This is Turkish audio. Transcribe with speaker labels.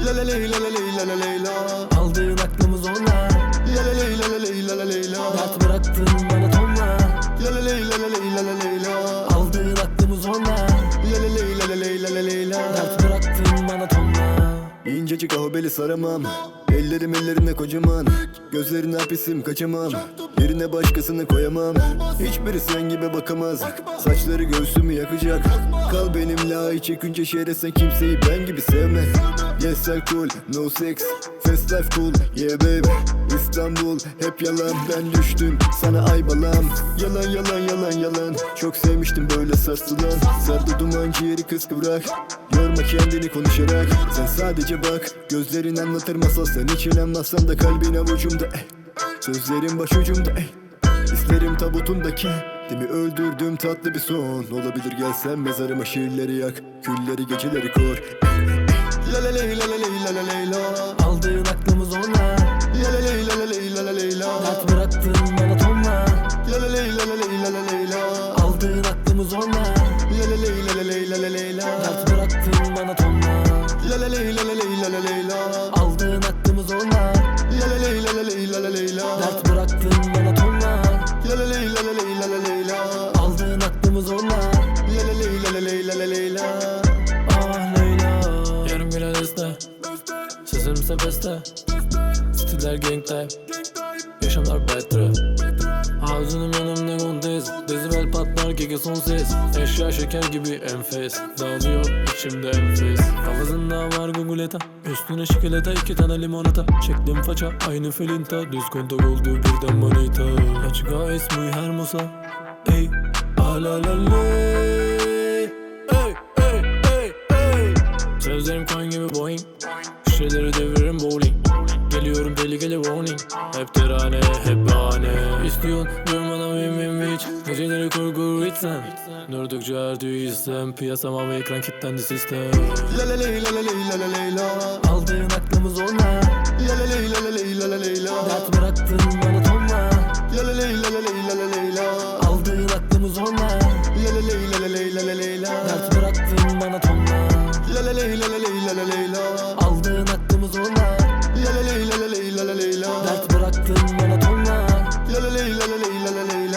Speaker 1: La la ley la la ley la la ley la.
Speaker 2: Aldığın aklımız onlar.
Speaker 1: La la ley la la ley la la ley la.
Speaker 2: Dert bıraktın bana tonla.
Speaker 1: La la ley la la ley la la ley la.
Speaker 2: Aldığın aklımız onlar.
Speaker 1: La la ley la la ley la la ley la.
Speaker 2: Dert bıraktın bana tonla.
Speaker 1: İncecik ahbeli saramam. Ellerim ellerine kocaman. Gözlerine hapisim kaçamam. Yerine başkasını koyamam. Hiçbiri sen gibi bakamaz. Saçları göğsümü yakacak. Kal benimle ay çekince şehre sen kimseyi ben gibi sevme. Yes I'm cool, no sex, fast life cool, yeah baby. İstanbul hep yalan, ben düştüm sana ay balam. Yalan yalan yalan yalan. Çok sevmiştim böyle sarsılan. Sardı duman ciğeri kıskıvrak. Yorma kendini konuşarak. Sen sadece bak, gözlerin anlatır masal. Sen hiç inanmazsan da kalbin avucumda sözlerim başucumda İslerim tabutundaki. Demi öldürdüm tatlı bir son. Olabilir gelsen mezarıma şiirleri yak. Külleri geceleri kor. La la ley la la ley la la ley la.
Speaker 2: Aldığın aklımız onlar.
Speaker 1: La la ley la la ley la la ley la.
Speaker 2: Dert bıraktın bana tonla.
Speaker 1: La la ley la la ley la la ley la.
Speaker 2: Aldığın aklımız onlar.
Speaker 1: La la ley la la ley la la ley la.
Speaker 2: Dert bıraktın bana tonla.
Speaker 1: La la ley la la ley la la ley la.
Speaker 2: Aldığın aklımız onlar.
Speaker 1: La la ley la la ley la la ley la.
Speaker 2: Dert bıraktın bana tonla.
Speaker 1: La la ley la la ley la la ley la.
Speaker 2: Aldığın aklımız onlar.
Speaker 1: La la ley la la ley la la ley la.
Speaker 2: Ah Leyla. Yarım güne deste. Sesimse beste. Stiller gang type. Yaşamlar betre. Ağzının yanımda kontes. Dezibel patlar gege son ses. Eşya şeker gibi enfes. Dağılıyor içimde enfes. Kafasında var guguleta. Üstüne şikeleta 2 tane limonata. Çektim faça aynı felinta. Düz kontak oldu birden manita. Açık es muy hermosa. Ey alalale. Ey ey ey ey. Sözlerim coin gibi Boeing. Şişeleri deviririm bowling. Geliyorum tehlikeli warning. Hep terane hep bahane. İstiyorsun durmadan win bitch. Geceleri kurgur içsen. Durdukça artıyor istem. Piyasama ve ekran kilitlendi sistem.
Speaker 1: La la ley la la ley la la ley la.
Speaker 2: Aldığın aklımız onlar.
Speaker 1: La la ley la la ley la la ley la.
Speaker 2: Dert bıraktın bana tonla.
Speaker 1: La la ley la la ley la la ley la.
Speaker 2: Aldığın aklımız onlar.
Speaker 1: La la ley la la ley la la ley la.
Speaker 2: Dert bıraktın bana tonla.
Speaker 1: La la ley la la ley la la ley la.
Speaker 2: Aldığın aklımız onlar.
Speaker 1: La la ley la la ley la la ley la.
Speaker 2: Dert bıraktın bana tonla.
Speaker 1: La la ley la la ley la la ley